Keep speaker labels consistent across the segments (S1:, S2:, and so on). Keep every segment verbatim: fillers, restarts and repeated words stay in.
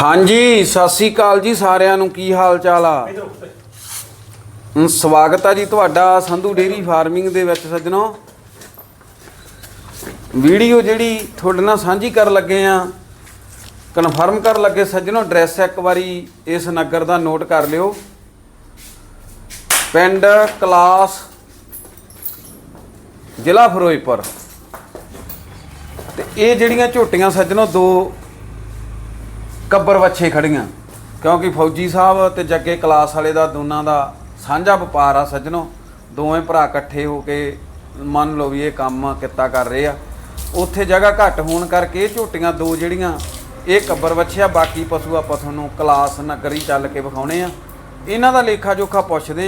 S1: हाँ जी सत श्री अकाल जी सारिਆਂ ਨੂੰ ਕੀ ਹਾਲ ਚਾਲ ਆ। ਸਵਾਗਤ ਆ ਜੀ ਤੁਹਾਡਾ ਸੰਧੂ ਡੇਰੀ ਫਾਰਮਿੰਗ ਦੇ ਵਿੱਚ ਸੱਜਣੋ। ਵੀਡੀਓ ਜਿਹੜੀ ਤੁਹਾਡੇ ਨਾਲ ਸਾਂਝੀ ਕਰਨ ਲੱਗੇ ਆ ਕਨਫਰਮ ਕਰਨ ਲੱਗੇ ਸੱਜਣੋ। ਐਡਰੈਸ ਇੱਕ ਵਾਰੀ ਇਸ ਨਗਰ ਦਾ ਨੋਟ ਕਰ ਲਿਓ। ਪਿੰਡ ਕਲਾਸ ਜ਼ਿਲ੍ਹਾ ਫਿਰੋਜ਼ਪੁਰ। ਤੇ ਇਹ ਜਿਹੜੀਆਂ ਝੋਟੀਆਂ ਸੱਜਣੋ ਦੋ ਕੱਬਰ ਵੱਛੇ ਖੜੀਆਂ क्योंकि फौजी साहब ते जगे क्लास वाले का दोनों का साझा व्यापार आ सज्जनों। दोवें भरा इकट्ठे होके मान लो भी ये काम किता कर रहे आ। उत्थे जगह घट होने करके झोटियां दो जड़ियां ये कब्बर वछिया बाकी पशु आपां तुहानूं क्लास नगरी चल के विखाउने आ। इन्हां दा लेखा जोखा पुछदे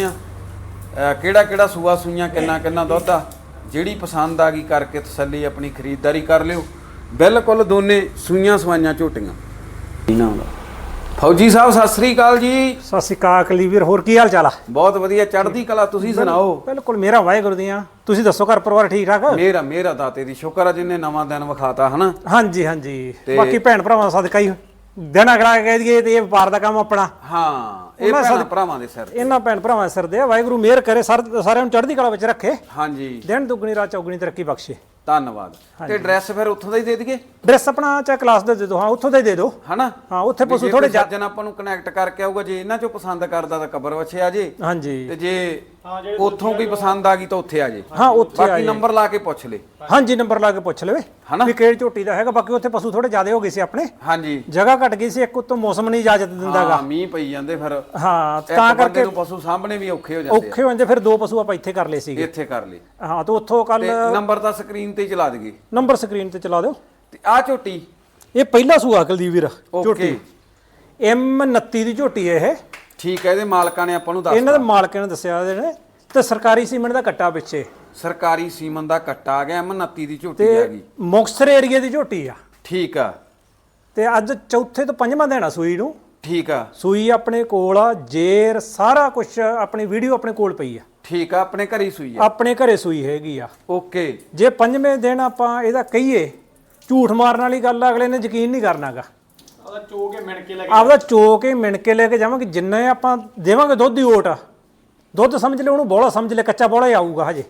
S1: आ किहड़ा किहड़ा सूआ सूईयां किन्ना किन्ना दुध आ। जिहड़ी पसंद आ गई करके तसल्ली अपनी खरीददारी कर लिओ। बिल्कुल दोने सूईयां सवाईयां झोटियां। इन्हां दा फौजी साहब सत श्री अकाल जी।
S2: सत श्री अकाल कलीवीर होर की हाल चाल आ।
S1: बहुत वधिया चढ़दी कला तुसीं सुणाओ।
S2: बिल्कुल मेरा वाहिगुरू दी तुसीं दसो घर परिवार ठीक ठाक।
S1: मेरा मेरा दाते दी शुक्र आ जिन्ने नवां दिन विखाता है ना।
S2: हाँ जी हाँ जी बाकी भैन भरावां दा सदका ही दिन अगला कह दईए ते व्यापार दा काम अपना।
S1: हाँ ਇਹ ਭੈਣ ਭਰਾਵਾਂ ਦੇ ਸਿਰ
S2: ਇਹਨਾਂ ਭੈਣ ਭਰਾਵਾਂ ਦੇ ਸਿਰ ਦੇ ਵਾਹਿਗੁਰੂ ਮਿਹਰ ਕਰੇ ਸਾਰਿਆਂ ਨੂੰ ਚੜ੍ਹਦੀ ਕਲਾ ਵਿੱਚ ਰੱਖੇ।
S1: ਹਾਂਜੀ ਦਿਨ
S2: ਦੁੱਗਣੀ ਰਾਤ ਚੌਗਣੀ ਤਰੱਕੀ ਬਖਸ਼ੇ।
S1: ਧੰਨਵਾਦ। ਤੇ ਐਡਰੈਸ ਫਿਰ ਉੱਥੋਂ ਦਾ ਹੀ ਦੇ ਦਈਏ।
S2: ਐਡਰੈਸ ਆਪਣਾ ਚਾਹੇ ਕਲਾਸ ਦਾ ਦੇ ਦਿਓ। ਹਾਂ ਉੱਥੋਂ ਦਾ ਹੀ ਦੇ ਦਿਓ ਹਨਾ। ਹਾਂ ਉੱਥੇ ਪਸ਼ੂ ਥੋੜੇ ਜੱਜਨ
S1: ਆਪਾਂ ਨੂੰ ਕਨੈਕਟ ਕਰਕੇ ਆਊਗਾ। ਜੇ ਇਹਨਾਂ ਚੋਂ ਪਸੰਦ ਕਰਦਾ ਤਾਂ ਕਬਰ ਵੱਛੇ ਆ ਜੇ।
S2: ਹਾਂਜੀ
S1: ਤੇ ਜੇ ਉੱਥੋਂ ਕੋਈ ਪਸੰਦ ਆ ਗਈ ਤਾਂ ਉੱਥੇ ਆ ਜੇ।
S2: ਹਾਂ ਉੱਥੇ ਆ
S1: ਬਾਕੀ ਨੰਬਰ ਲਾ ਕੇ ਪੁੱਛ ਲੈ।
S2: ਹਾਂਜੀ ਨੰਬਰ ਲਾ ਕੇ ਪੁੱਛ ਲਵੇ ਹਨਾ ਵੀ ਕਿਹੜੀ ਝੋਟੀ ਦਾ ਹੈਗਾ। ਬਾਕੀ ਉੱਥੇ ਪਸ਼ੂ ਥੋੜੇ ਜ਼ਿਆਦਾ ਹੋ ਗਏ ਸੀ ਆਪਣੇ।
S1: ਹਾਂਜੀ
S2: ਜਗ੍ਹਾ ਘਟ ਗਈ ਸੀ। ਇੱਕ ਉੱਤੋਂ ਮੌਸਮ ਨਹੀਂ ਇਜਾਜ਼ਤ ਦਿੰਦਾਗਾ।
S1: ਹਾਂ ਮੀਂਹ ਪਈ ਜਾਂਦੇ ਫਿਰ।
S2: ਹਾਂ ਤਾਂ ਕਰਕੇ
S1: ਪਸ਼ੂ ਸਾਹਮਣੇ ਵੀ ਔਖੇ ਹੋ ਜਾਂਦੇ
S2: ਔਖੇ ਹੋ ਜਾਂਦੇ। ਫਿਰ ਦੋ ਪਸ਼ੂ ਆਪਾਂ ਇੱਥੇ ਕਰ ਲਏ ਸੀਗੇ।
S1: ਇੱਥੇ ਕਰ ਲਏ
S2: ਹਾਂ ਤੇ ਉੱਥੋਂ ਕੱਲ
S1: ਨੰਬਰ ਤਾਂ ਸਕਰੀਨ ਤੇ ਚਲਾ ਦਈਏ।
S2: ਨੰਬਰ ਸਕਰੀਨ ਤੇ ਚਲਾ ਦਿਓ।
S1: ਤੇ ਆ ਝੋਟੀ
S2: ਇਹ ਪਹਿਲਾ ਸੂਆ ਕੁਲਦੀਪ ਵੀਰ
S1: ਝੋਟੀ
S2: ਐਮ ਉਨੱਤੀ ਦੀ ਝੋਟੀ ਇਹ।
S1: ਠੀਕ ਹੈ। ਇਹਦੇ ਮਾਲਕਾਂ ਨੇ ਆਪਾਂ ਨੂੰ ਦੱਸ
S2: ਇਹਨਾਂ ਦੇ ਮਾਲਕਾਂ ਨੇ ਦੱਸਿਆ ਇਹਦੇ ਨੇ ਤੇ ਸਰਕਾਰੀ ਸੀਮੈਂਟ ਦਾ ਕੱਟਾ ਪਿੱਛੇ।
S1: ਸਰਕਾਰੀ ਸੀਮਨ ਦਾ ਕੱਟਾ ਆ ਗਿਆ। ਐਮ ਉਨੱਤੀ ਦੀ ਝੋਟੀ ਹੈਗੀ।
S2: ਮੁਕਤਸਰ ਏਰੀਆ ਦੀ ਝੋਟੀ ਆ।
S1: ਠੀਕ ਆ।
S2: ਤੇ ਅੱਜ ਚੌਥੇ ਤੋਂ ਪੰਜਵਾਂ ਦਿਨ ਆ ਸੂਈ ਨੂੰ।
S1: ਠੀਕ ਆ।
S2: ਸੂਈ ਆਪਣੇ ਕੋਲ ਆ ਜੇਰ ਸਾਰਾ ਕੁਝ ਆਪਣੀ ਵੀਡੀਓ ਆਪਣੇ ਕੋਲ ਪਈ ਆ।
S1: ਠੀਕ ਆ। ਆਪਣੇ ਘਰੇ ਸੂਈ ਆ।
S2: ਆਪਣੇ ਘਰੇ ਸੂਈ ਹੈਗੀ ਆ।
S1: ਓਕੇ।
S2: ਜੇ ਪੰਜਵੇਂ ਦਿਨ ਆਪਾਂ ਇਹਦਾ ਕਹੀਏ ਝੂਠ ਮਾਰਨ ਵਾਲੀ ਗੱਲ ਆ। ਅਗਲੇ ਨੇ ਯਕੀਨ ਨਹੀਂ ਕਰਨਾਗਾ।
S3: ਆਪਦਾ ਚੋ ਕੇ ਮਿਣ ਕੇ ਲੈ ਕੇ
S2: ਆਪਦਾ ਚੋ ਕੇ ਮਿਣ ਕੇ ਲੈ ਕੇ ਜਾਵਾਂਗੇ। ਜਿੰਨੇ ਆਪਾਂ ਦੇਵਾਂਗੇ ਦੁੱਧ ਦੀ ਓਟ ਦੁੱਧ ਸਮਝ ਲੈ ਉਹਨੂੰ ਬੋਲਾ ਸਮਝ ਲੈ ਕੱਚਾ ਬੋਲਾ ਹੀ ਆਊਗਾ ਹਜੇ।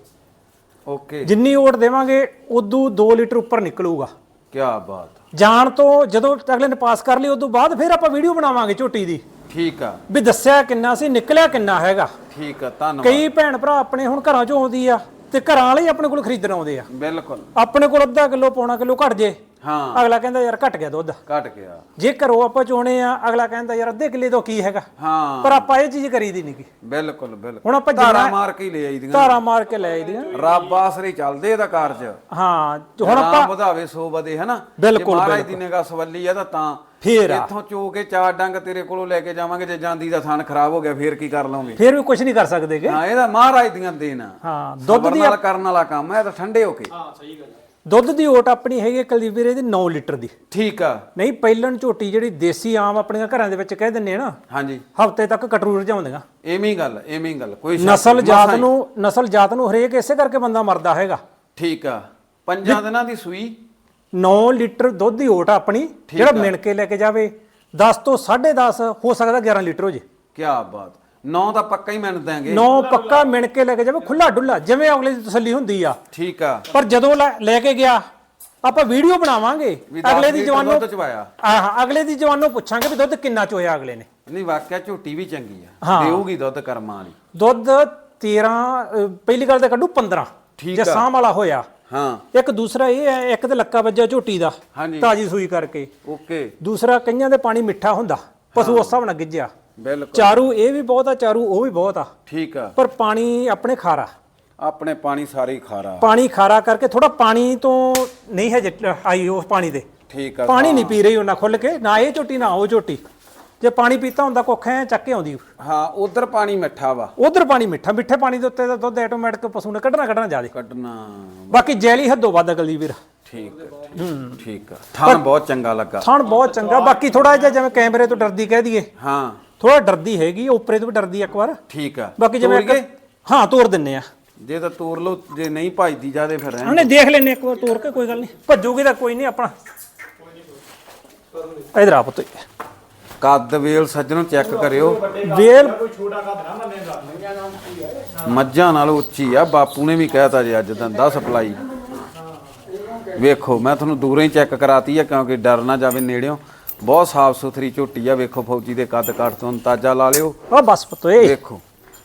S1: ਓਕੇ।
S2: ਜਿੰਨੀ ਓਟ ਦੇਵਾਂਗੇ ਉਦੋਂ ਦੋ ਲੀਟਰ ਉੱਪਰ ਨਿਕਲੂਗਾ।
S1: ਕੀ ਬਾਤ।
S2: ਜਾਣ ਤੋਂ ਜਦੋਂ ਅਗਲੇ ਨੇ ਪਾਸ ਕਰ ਲਈ ਉਦੋਂ ਬਾਅਦ ਫਿਰ ਆਪਾਂ ਵੀਡੀਓ ਬਣਾਵਾਂਗੇ ਝੋਟੀ ਦੀ।
S1: ਠੀਕ ਆ।
S2: ਵੀ ਦੱਸਿਆ ਕਿੰਨਾ ਸੀ ਨਿਕਲਿਆ ਕਿੰਨਾ ਹੈਗਾ।
S1: ਠੀਕ ਆ। ਧੰਨਵਾਦ।
S2: ਕਈ ਭੈਣ ਭਰਾ ਆਪਣੇ ਹੁਣ ਘਰਾਂ ਚੋਂ ਆਉਂਦੀ ਆ ਤੇ ਘਰਾਂ ਵਾਲੇ ਆਪਣੇ ਕੋਲ ਖਰੀਦਣ ਆਉਂਦੇ ਆ।
S1: ਬਿਲਕੁਲ।
S2: ਆਪਣੇ ਕੋਲ ਅੱਧਾ ਕਿਲੋ ਪੌਣਾ ਕਿਲੋ ਘਟ ਜੇ
S1: ਹਾਂ
S2: ਅਗਲਾ ਕਹਿੰਦਾ ਯਾਰ ਘਟ ਗਿਆ ਦੁੱਧ।
S1: ਘਟ ਗਿਆ।
S2: ਜੇ ਘਰੋਂ ਆਪਾਂ ਚੋਣੇ ਆ ਅਗਲਾ ਕਹਿੰਦਾ ਯਾਰ ਅੱਧੇ ਕਿੱਲੇ ਤੋਂ ਕੀ ਹੈਗਾ।
S1: ਹਾਂ
S2: ਪਰ ਆਪਾਂ ਇਹ ਚੀਜ਼ ਕਰੀਦੀ ਨਹੀਂ ਗੀ।
S1: ਬਿਲਕੁਲ ਬਿਲਕੁਲ।
S2: ਹੁਣ ਆਪਾਂ
S1: ਧਾਰਾ ਮਾਰ ਕੇ ਲੈ ਆਈਦੀਆਂ।
S2: ਧਾਰਾ ਮਾਰ ਕੇ ਲੈ ਆਈਦੀਆਂ।
S1: ਰੱਬ ਆਸਰੇ ਚੱਲਦੇ ਇਹਦਾ ਕਾਰਜ।
S2: ਹਾਂ ਹੁਣ ਆਪਾਂ
S1: ਵਧਾਵੇ ਸੋ ਵਧੇ ਹਨਾ।
S2: ਬਿਲਕੁਲ
S1: ਮਹਾਰਾਜ ਦੀ ਨਿਗਾਹ ਸਵੱਲੀ ਆ ਤਾਂ ਤਾਂ
S2: ਫੇਰ
S1: ਇੱਥੋਂ ਚੋ ਕੇ ਚਾਰ ਡੰਗ ਤੇਰੇ ਕੋਲੋਂ ਲੈ ਕੇ ਜਾਵਾਂਗੇ। ਜੇ ਜਾਂਦੀ ਦਾ ਥਣ ਖਰਾਬ ਹੋ ਗਿਆ ਫੇਰ ਕੀ ਕਰ ਲਵਾਂਗੇ।
S2: ਫੇਰ ਵੀ ਕੁਝ ਨਹੀਂ ਕਰ ਸਕਦੇਗੇ।
S1: ਹਾਂ ਇਹਦਾ ਮਹਾਰਾਜ ਦੀਆਂ ਦੇਣ ਆ।
S2: ਹਾਂ ਦੁੱਧ ਦੀ
S1: ਨਾਲ ਕਰਨ ਵਾਲਾ ਕੰਮ ਹੈ। ਤਾਂ ਠੰਡੇ ਹੋ ਕੇ।
S3: ਹਾਂ ਸਹੀ ਗੱਲ।
S2: ਦੁੱਧ ਦੀ ਓਟ ਆਪਣੀ ਹੈਗੀ ਕੁਲਦੀਪ ਵੀਰੇ ਦੀ ਨੌ ਲੀਟਰ ਦੀ।
S1: ਠੀਕ ਆ।
S2: ਨਹੀਂ ਪਹਿਲਣ ਝੋਟੀ ਜਿਹੜੀ ਦੇਸੀ ਆਮ ਆਪਣੀਆਂ ਘਰਾਂ ਦੇ ਵਿੱਚ ਕਹਿ ਦਿੰਨੇ ਆ ਨਾ।
S1: ਹਾਂਜੀ
S2: ਹਫ਼ਤੇ ਤੱਕ ਕਟਰੂ ਰਜਾਉਂਦੀਆਂ।
S1: ਐਵੇਂ ਹੀ ਗੱਲ ਐਵੇਂ ਹੀ ਗੱਲ ਕੋਈ
S2: ਨਸਲ ਜਾਤ ਨੂੰ ਨਸਲ ਜਾਤ ਨੂੰ ਹਰੇਕ ਇਸੇ ਕਰਕੇ ਬੰਦਾ ਮਰਦਾ ਹੈਗਾ।
S1: ਠੀਕ ਆ। ਪੰਜਾਂ ਦਿਨਾਂ ਦੀ ਸੂਈ
S2: ਨੌ ਲੀਟਰ ਦੁੱਧ ਦੀ ਓਟ ਆਪਣੀ ਜਿਹੜਾ ਮਿਣ ਕੇ ਲੈ ਕੇ ਜਾਵੇ ਦਸ ਤੋਂ ਸਾਢੇ ਦਸ ਹੋ ਸਕਦਾ ਗਿਆਰਾਂ ਲੀਟਰ ਹੋ ਜੇ।
S1: ਕੀ ਬਾਤ। ਨੌ ਤਾਂ ਪੱਕਾ ਹੀ ਮਿਣ ਦਾਂਗੇ।
S2: ਨੌ ਪੱਕਾ ਮਿਣ ਕੇ ਲੈ ਕੇ ਜਾਵੇ ਖੁੱਲਾ ਡੁੱਲਾ ਜਿਵੇਂ ਅਗਲੇ ਦੀ ਤਸੱਲੀ ਹੁੰਦੀ ਆ।
S1: ਠੀਕ ਆ।
S2: ਪਰ ਜਦੋਂ ਲੈ ਕੇ ਗਿਆ ਆਪਾਂ ਵੀਡੀਓ ਬਣਾਵਾਂਗੇ ਅਗਲੇ ਦੀ ਜਵਾਨੋਂ ਹਾਂ ਅਗਲੇ ਦੀ ਜਵਾਨੋਂ ਪੁੱਛਾਂਗੇ ਵੀ ਦੁੱਧ ਕਿੰਨਾ ਚੋਇਆ ਅਗਲੇ ਨੇ।
S1: ਨਹੀਂ ਵਾਕਿਆ ਝੋਟੀ ਵੀ ਚੰਗੀ ਆ। ਦੇਊਗੀ ਦੁੱਧ ਕਰਮਾਂ ਵਾਲੀ।
S2: ਦੁੱਧ ਤੇਰਾਂ ਪਹਿਲੀ ਗੱਲ ਤਾਂ ਕੱਢੂ ਪੰਦਰਾਂ ਜੇ ਸਾਂਭ ਵਾਲਾ ਹੋਇਆ।
S1: ਹਾਂ
S2: ਇੱਕ ਦੂਸਰਾ ਇਹ ਹੈ ਇੱਕ ਤੇ ਲੱਕਾ ਵੱਜਾ ਝੋਟੀ ਦਾ ਤਾਜੀ ਸੂਈ ਕਰਕੇ।
S1: ਓਕੇ।
S2: ਦੂਸਰਾ ਕਈਆਂ ਦੇ ਪਾਣੀ ਮਿੱਠਾ ਹੁੰਦਾ ਪਸ਼ੂ ਉਸ ਹਿਸਾਬ ਨਾਲ ਗਿੱਜਿਆ।
S1: ਬਿਲਕੁਲ।
S2: ਚਾਰੂ ਇਹ ਵੀ ਬਹੁਤ ਆ ਚਾਰੂ ਉਹ ਵੀ ਬਹੁਤ ਆ।
S1: ਠੀਕ ਆ।
S2: ਪਰ ਪਾਣੀ ਆਪਣੇ ਖਾਰਾ।
S1: ਆਪਣੇ ਪਾਣੀ ਸਾਰੇ ਖਾਰਾ।
S2: ਪਾਣੀ ਖਾਰਾ ਕਰਕੇ ਥੋੜਾ ਪਾਣੀ ਤੋਂ ਨਹੀਂ ਹੈ ਆਈ ਉਸ ਪਾਣੀ ਦੇ।
S1: ਠੀਕ ਆ।
S2: ਪਾਣੀ ਨਹੀਂ ਪੀ ਰਹੀ ਉਹਨਾਂ ਖੁੱਲ ਕੇ ਨਾ ਇਹ ਝੋਟੀ ਨਾ ਉਹ ਝੋਟੀ। ਜੇ ਪਾਣੀ ਪੀਤਾ ਹੁੰਦਾ ਕੁੱਖ ਐ ਚੱਕ ਕੇ ਆਉਂਦੀ।
S1: ਹਾਂ ਉਧਰ ਪਾਣੀ ਮਿੱਠਾ ਵਾ
S2: ਉਧਰ ਪਾਣੀ ਮਿੱਠਾ। ਮਿੱਠੇ ਪਾਣੀ ਦੇ ਉੱਤੇ ਤਾਂ ਦੁੱਧ ਆਟੋਮੈਟਿਕ ਪਸ਼ੂ ਨੇ ਕੱਢਣਾ ਕੱਢਣਾ ਜ਼ਿਆਦਾ
S1: ਕੱਢਣਾ।
S2: ਬਾਕੀ ਜੈਲੀ ਹੱਦੋਂ ਵੱਧ ਅਗਲੀ ਵੀਰ।
S1: ਠੀਕ ਹੂੰ ਠੀਕ ਆ। ਥਣ ਬਹੁਤ ਚੰਗਾ ਲੱਗਾ।
S2: ਥਣ ਬਹੁਤ ਚੰਗਾ। ਬਾਕੀ ਥੋੜਾ ਜਿਹਾ ਜਿਵੇਂ ਕੈਮਰੇ ਤੋਂ ਡਰਦੀ ਕਹਿ ਦਈਏ।
S1: ਹਾਂ
S2: ਥੋੜਾ ਡਰਦੀ ਹੈਗੀ ਉੱਪਰੇ ਤੋਂ ਵੀ ਡਰਦੀ ਇੱਕ ਵਾਰ।
S1: ਠੀਕ ਆ।
S2: ਬਾਕੀ ਜਿਵੇਂ ਹਾਂ ਤੋਰ ਦਿੰਨੇ ਆ।
S1: ਜੇ ਤਾਂ ਤੋਰ ਲਓ ਜੇ ਨਹੀਂ ਭਜਦੀ ਜਾਦੇ ਫਿਰ
S2: ਉਹਨੇ ਦੇਖ ਲੈਨੇ ਇੱਕ ਵਾਰ ਤੋਰ ਕੇ ਕੋਈ ਗੱਲ ਨਹੀਂ। ਭੱਜੂਗੀ ਤਾਂ ਕੋਈ ਨਹੀਂ ਆਪਣਾ। ਇਧਰ ਆ ਪੁੱਤ
S1: ਕੱਦ ਵੇਲ ਸੱਜਣੋ ਚੈੱਕ ਕਰਿਓ।
S2: ਵੇਲ
S3: ਕੋਈ ਛੋਟਾ ਕੱਦ ਨਾ ਮੰਨੇਗਾ।
S1: ਮੱਝਾਂ ਨਾਲ ਉੱਚੀ ਆ, ਬਾਪੂ ਨੇ ਵੀ ਕਹਿਤਾ ਜੀ ਅੱਜ ਦੰਦਾ ਸਪਲਾਈ। ਵੇਖੋ ਮੈਂ ਤੁਹਾਨੂੰ ਦੂਰੋਂ ਹੀ ਚੈੱਕ ਕਰਾਤੀ ਆ ਕਿਉਂਕਿ ਡਰ ਨਾ ਜਾਵੇ ਨੇੜਿਓਂ। ਬਹੁਤ ਸਾਫ ਸੁਥਰੀ ਝੋਟੀ ਆ। ਵੇਖੋ ਫੌਜੀ ਦੇ ਕੱਦ ਕਾਠ ਤੋਂ ਅੰਦਾਜ਼ਾ ਲਾ ਲਿਓ।
S2: ਉਹ ਬਸ ਪਤੋਏ
S1: ਵੇਖੋ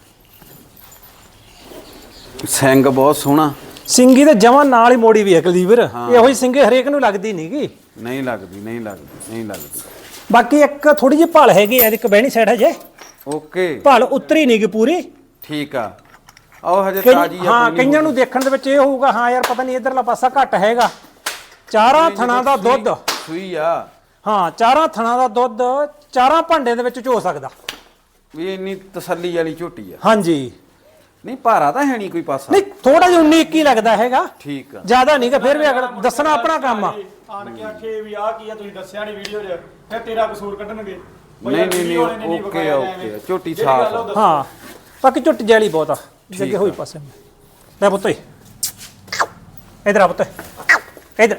S1: ਸਿੰਘ ਬਹੁਤ ਸੋਹਣਾ,
S2: ਸਿੰਗੀ ਤੇ ਜਮਾਂ ਨਾਲ ਹੀ ਮੋੜੀ ਵੀ ਹੈ ਕੁਲਦੀਪ ਵੀਰ। ਇਹੋ ਹੀ ਸਿੰਗੇ ਹਰੇਕ ਨੂੰ ਲੱਗਦੀ ਨਹੀਂਗੀ।
S1: ਨਹੀਂ ਲੱਗਦੀ ਨਹੀਂ ਲੱਗਦੀ ਨਹੀਂ ਲੱਗਦੀ।
S2: ਬਾਕੀ ਇੱਕ ਥੋੜੀ ਜਿਹੀ ਭਾਲ ਹੈਗੀ ਐ, ਇੱਕ ਬਹਿਣੀ ਸਾਈਡ ਹਜੇ
S1: ਓਕੇ
S2: ਭਾਲ ਉਤਰੀ ਨਹੀਂਗੀ ਪੂਰੀ।
S1: ਠੀਕ ਆ। ਆਓ ਹਜੇ
S2: ਕਈ-
S1: ਤਾਜੀ ਆ।
S2: ਹਾਂ ਕਈਆਂ ਨੂੰ ਦੇਖਣ ਦੇ ਵਿੱਚ ਇਹ ਹੋਊਗਾ ਹਾਂ ਯਾਰ ਪਤਾ ਨਹੀਂ ਇਧਰਲਾ ਪਾਸਾ ਘੱਟ ਹੈਗਾ। ਚਾਰਾਂ ਥਣਾ ਦਾ ਦੁੱਧ
S1: ਸੂਈ ਆ
S2: ਹਾਂ, ਚਾਰਾਂ ਥਣਾ ਦਾ ਦੁੱਧ ਚਾਰਾਂ ਭਾਂਡੇ ਦੇ ਵਿੱਚ ਝੋ ਸਕਦਾ
S1: ਵੀ ਇੰਨੀ ਤਸੱਲੀ ਵਾਲੀ ਝੋਟੀ ਆ।
S2: ਹਾਂਜੀ
S1: ਨਹੀਂ ਭਾਰਾ ਤਾਂ ਹੈ ਨਹੀਂ ਕੋਈ ਪਾਸਾ।
S2: ਨਹੀਂ ਥੋੜਾ ਜਿਹਾ ਉੱਨੀ ਇੱਕੀ ਲੱਗਦਾ ਹੈਗਾ,
S1: ਠੀਕ ਆ।
S2: ਜ਼ਿਆਦਾ ਨਹੀਂ ਕਿ ਫਿਰ ਵੀ ਅਗਰ ਦੱਸਣਾ ਆਪਣਾ ਕੰਮ ਆ।
S3: ਆਣ ਕੇ ਆਖੇ ਵੀ ਆਹ ਕੀ ਆ ਤੁਸੀਂ ਦੱਸਿਆ ਨਹੀਂ ਵੀਡੀਓ 'ਚ, ਫਿਰ ਤੇਰਾ ਕਸੂਰ ਕੱਢਣਗੇ।
S1: ਨਹੀਂ ਨਹੀਂ ਨਹੀਂ ਓਕੇ ਓਕੇ ਝੋਟੀ ਸਾਫ ਆ।
S2: ਹਾਂ ਬਾਕੀ ਝੁੱਟ ਜੈਲੀ ਬਹੁਤ ਆ ਜੱਗੇ ਹੋਈ ਪਾਸੇ ਲੈ ਪੁੱਤ ਇਧਰ ਆ ਪੁੱਤ ਇਧਰ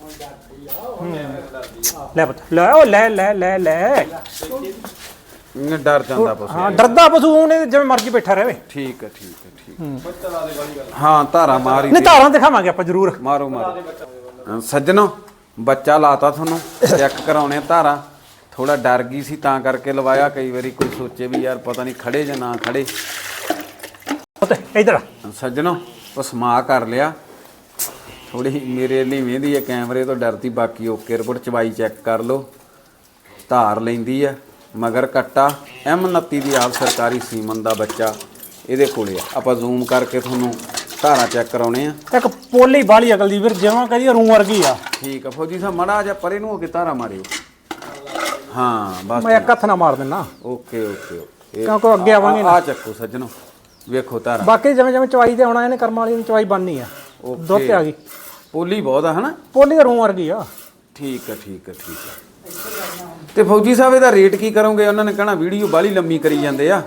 S2: ਲੈ ਪੁੱਤ ਲੈ ਉਹ ਲੈ ਲੈ ਲੈ ਲੈ
S1: ਇਹਨੇ ਡਰ ਜਾਂਦਾ ਪਸ਼ੂ।
S2: ਹਾਂ ਡਰਦਾ ਪਸ਼ੂ ਉਹਨੇ ਜਿਵੇਂ ਮਰਜ਼ੀ ਬੈਠਾ ਰਹੇ।
S1: ਠੀਕ ਹੈ ਠੀਕ ਹੈ ਠੀਕ। ਹਾਂ ਧਾਰਾ ਮਾਰੀ
S2: ਨਹੀਂ ਧਾਰਾਂ ਦਿਖਾਵਾਂਗੇ ਆਪਾਂ ਜ਼ਰੂਰ।
S1: ਮਾਰੋ ਮਾਰੋ ਸੱਜਣੋ ਬੱਚਾ ਲਾਤਾ ਤੁਹਾਨੂੰ ਚੈੱਕ ਕਰਾਉਣੇ ਧਾਰਾ। ਥੋੜਾ ਡਰ ਗਈ ਸੀ ਤਾਂ ਕਰਕੇ ਲਵਾਇਆ। ਕਈ ਵਾਰੀ ਕੋਈ ਸੋਚੇ ਵੀ ਯਾਰ ਪਤਾ ਨਹੀਂ ਖੜੇ ਜਾਂ ਨਾ ਖੜੇ।
S2: ਪੁੱਤ ਇਧਰ
S1: ਸੱਜਣੋ ਪਸਮਾ ਕਰ ਲਿਆ। ਥੋੜੀ ਮੇਰੇ ਲਈ ਵੇਂਦੀ ਹੈ ਕੈਮਰੇ ਤੋਂ ਡਰਦੀ। ਬਾਕੀ ਓਕੇ ਰਿਪੋਰਟ ਚਵਾਈ ਚੈੱਕ ਕਰ ਲਓ। ਧਾਰ ਲੈਂਦੀ ਆ ਮਗਰ ਕੱਟਾ ਐਮ ਉਨੱਤੀ ਦੀ ਆਪ ਸਰਕਾਰੀ ਸੀਮਨ ਦਾ ਬੱਚਾ ਇਹਦੇ ਕੋਲੇ ਆ। ਆਪਾਂ ਜ਼ੂਮ ਕਰਕੇ ਤੁਹਾਨੂੰ ਧਾਰਾ ਚੈੱਕ ਕਰਾਉਣੇ ਆ।
S2: ਇੱਕ ਪੋਲੀ ਬਾਲੀ ਅਕਲ ਦੀ ਵੀਰ ਜਿਵੇਂ ਕਹਦੀ ਰੂ ਵਰਗੀ ਆ।
S1: ਠੀਕ ਆ ਫੌਜੀ ਸਾਹਿਬ ਮੜਾ ਜਾ ਪਰੇ ਨੂੰ ਹੋ ਕੇ ਧਾਰਾ ਮਾਰਿਓ। ਹਾਂ ਬਸ
S2: ਮੈਂ ਇੱਕ ਹੱਥ ਨਾਲ ਮਾਰ ਦਿੰਨਾ
S1: ਓਕੇ ਓਕੇ ਓਕੇ
S2: ਕਿਉਂਕਿ ਅੱਗੇ ਆਵਾਂਗੇ ਨਾ।
S1: ਆ ਚੱਕੋ ਸੱਜਣੋ ਵੇਖੋ ਧਾਰਾ।
S2: ਬਾਕੀ ਜਿਵੇਂ ਜਿਵੇਂ ਚਵਾਈ ਤੇ ਆਉਣਾ ਇਹਨੇ ਕਰਮ ਵਾਲੀ ਨੂੰ ਚਵਾਈ ਬਣਨੀ ਆ। ਦੁੱਧ ਤੇ ਆ ਗਈ
S1: ਪੋਲੀ ਬਹੁਤ ਆ ਹਨਾ।
S2: ਪੋਲੀ ਤਾਂ ਰੂ ਵਰਗੀ ਆ।
S1: ਠੀਕ ਆ ਠੀਕ ਆ ਠੀਕ ਆ। ਤੇ ਫੌਜੀ ਸਾਹਿਬ ਇਹਦਾ ਰੇਟ ਕੀ ਕਰੋਗੇ? ਉਹਨਾਂ ਨੇ ਕਹਿਣਾ ਵੀਡੀਓ ਬਾਲੀ ਲੰਮੀ ਕਰੀ ਜਾਂਦੇ ਆ।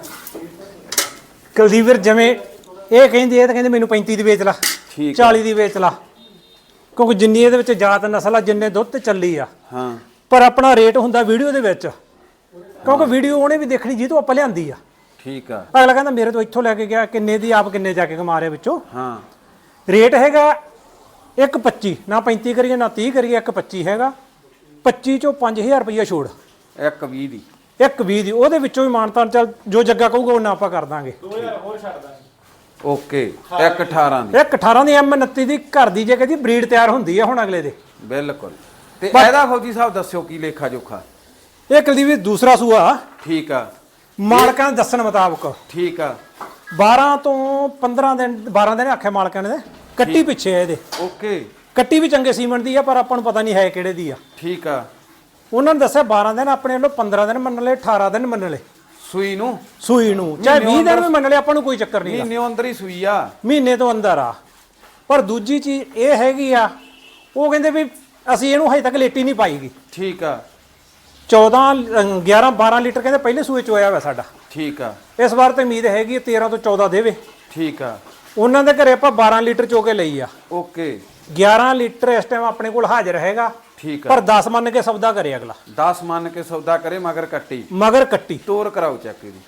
S2: ਕੁਲਦੀਪ ਵੀਰ ਜਿਵੇਂ ਇਹ ਕਹਿੰਦੇ ਇਹ ਤਾਂ ਕਹਿੰਦੇ ਮੈਨੂੰ ਪੈਂਤੀ ਦੀ ਵੇਚ ਲਾ,
S1: ਠੀਕ
S2: ਚਾਲੀ ਦੀ ਵੇਚ ਲਾ, ਕਿਉਂਕਿ ਜਿੰਨੀ ਇਹਦੇ ਵਿੱਚ ਜਾਤ ਨਸਲ ਆ ਜਿੰਨੇ ਦੁੱਧ ਤੇ ਚੱਲੀ ਆ।
S1: ਹਾਂ
S2: ਪਰ ਆਪਣਾ ਰੇਟ ਹੁੰਦਾ ਵੀਡੀਓ ਦੇ ਵਿੱਚ, ਕਿਉਂਕਿ ਵੀਡੀਓ ਉਹਨੇ ਵੀ ਦੇਖਣੀ ਜਿਹਤੋਂ ਆਪਾਂ ਲਿਆਂਦੀ ਆ।
S1: ਠੀਕ ਆ।
S2: ਅਗਲਾ ਕਹਿੰਦਾ ਮੇਰੇ ਤੋਂ ਇੱਥੋਂ ਲੈ ਕੇ ਗਿਆ ਕਿੰਨੇ ਦੀ, ਆਪ ਕਿੰਨੇ ਜਾ ਕੇ ਕਮਾ ਰਿਹਾ ਵਿੱਚੋਂ।
S1: ਹਾਂ
S2: ਰੇਟ ਹੈਗਾ ਇੱਕ ਪੱਚੀ, ਨਾ ਪੈਂਤੀ ਕਰੀਏ ਨਾ ਤੀਹ ਕਰੀਏ, ਇੱਕ ਪੱਚੀ ਹੈਗਾ। ਪੱਚੀ ਚੋਂ ਪੰਜ ਹਜ਼ਾਰ ਰੁਪਈਆ ਛੋੜ,
S1: ਇੱਕ ਵੀਹ ਦੀ
S2: ਇੱਕ ਵੀਹ ਦੀ ਉਹਦੇ ਵਿੱਚੋਂ ਵੀ ਮਾਨਤਾਂ ਚੱਲ ਜੋ ਜੱਗਾ ਕਹੂਗਾ ਉਹਨਾਂ ਆਪਾਂ ਕਰ ਦਾਂਗੇ।
S3: ਦੋ ਹਜ਼ਾਰ ਹੋਰ ਛੱਡ ਦਾਂਗੇ।
S1: ਓਕੇ ਇੱਕ ਅਠਾਰਾਂ ਦੀ
S2: ਇੱਕ ਅਠਾਰਾਂ ਦੀ ਐਮ ਉਨੱਤੀ ਦੀ ਘਰ ਦੀ ਜੇ ਕਹਿੰਦੀ ਬਰੀਡ ਤਿਆਰ ਹੁੰਦੀ ਆ ਹੁਣ ਅਗਲੇ ਦੇ।
S1: ਬਿਲਕੁਲ। ਤੇ ਇਹਦਾ ਫੌਜੀ ਸਾਹਿਬ ਦੱਸਿਓ ਕੀ ਲੇਖਾ ਜੋਖਾ?
S2: ਇਹ ਕੁਲਦੀਪ ਵੀਰ ਦੂਸਰਾ ਸੂਆ
S1: ਠੀਕ ਆ।
S2: ਮਾਲਕਾਂ ਦੇ ਦੱਸਣ ਮੁਤਾਬਕ
S1: ਠੀਕ ਆ।
S2: ਬਾਰਾਂ ਤੋਂ ਪੰਦਰਾਂ ਦਿਨ ਬਾਰਾਂ ਦਿਨ ਆਖਿਆ ਮਾਲਕਾਂ ਨੇ। ਕੱਟੀ ਪਿੱਛੇ ਆ ਇਹਦੇ।
S1: ਓਕੇ
S2: ਕੱਟੀ ਵੀ ਚੰਗੇ ਸੀਮੈਂਟ ਦੀ ਆ ਪਰ ਆਪਾਂ ਨੂੰ ਪਤਾ ਨਹੀਂ ਹੈ ਕਿਹੜੇ ਦੀ ਆ।
S1: ਠੀਕ ਆ।
S2: ਉਹਨਾਂ ਨੇ ਦੱਸਿਆ ਬਾਰਾਂ ਦਿਨ, ਆਪਣੇ ਵੱਲੋਂ ਪੰਦਰਾਂ ਦਿਨ ਮੰਨ ਲਏ, ਅਠਾਰਾਂ ਦਿਨ ਮੰਨ ਲਏ
S1: ਸੂਈ ਨੂੰ,
S2: ਸੂਈ ਨੂੰ, ਚਾਹੇ ਵੀਹ ਦਿਨ ਵੀ ਮੰਨ ਲਏ, ਆਪਾਂ ਨੂੰ ਕੋਈ ਚੱਕਰ ਨਹੀਂ।
S1: ਮਹੀਨੇ ਅੰਦਰ ਹੀ ਸੂਈ ਆ,
S2: ਮਹੀਨੇ ਤੋਂ ਅੰਦਰ ਆ। ਪਰ ਦੂਜੀ ਚੀਜ਼ ਇਹ ਹੈਗੀ ਆ, ਉਹ ਕਹਿੰਦੇ ਵੀ ਅਸੀਂ ਇਹਨੂੰ ਹਜੇ ਤੱਕ ਲੇਟੀ ਨਹੀਂ ਪਾਈਗੀ।
S1: ਠੀਕ ਆ।
S2: ਚੌਦਾਂ ਗਿਆਰਾਂ ਬਾਰਾਂ ਲੀਟਰ ਕਹਿੰਦੇ ਪਹਿਲੇ ਸੂਏ ਚ ਹੋਇਆ ਵਾ ਸਾਡਾ।
S1: ਠੀਕ ਆ।
S2: ਇਸ ਵਾਰ ਤੇ ਉਮੀਦ ਹੈਗੀ ਤੇਰਾਂ ਤੋਂ ਚੌਦਾਂ ਦੇਵੇ।
S1: ਠੀਕ ਆ।
S2: ਉਹਨਾਂ ਦੇ ਘਰੇ ਆਪਾਂ ਬਾਰਾਂ ਲੀਟਰ ਚੋ ਕੇ ਲਈ ਆ।
S1: ਓਕੇ
S2: ਗਿਆਰਾਂ ਲੀਟਰ ਇਸ ਟਾਈਮ ਆਪਣੇ ਕੋਲ ਹਾਜ਼ਰ ਹੈਗਾ।
S1: ਠੀਕ ਆ।
S2: ਪਰ ਦਸ ਮੰਨ ਕੇ ਸੌਦਾ ਕਰੇ ਅਗਲਾ।
S1: ਦਸ ਮੰਨ ਕੇ ਸੌਦਾ ਕਰੇ ਮਗਰ ਕੱਟੀ
S2: ਮਗਰ ਕੱਟੀ
S1: ਤੋਰ ਕਰਾਓ ਚੈੱਕ ਇਹਦੀ।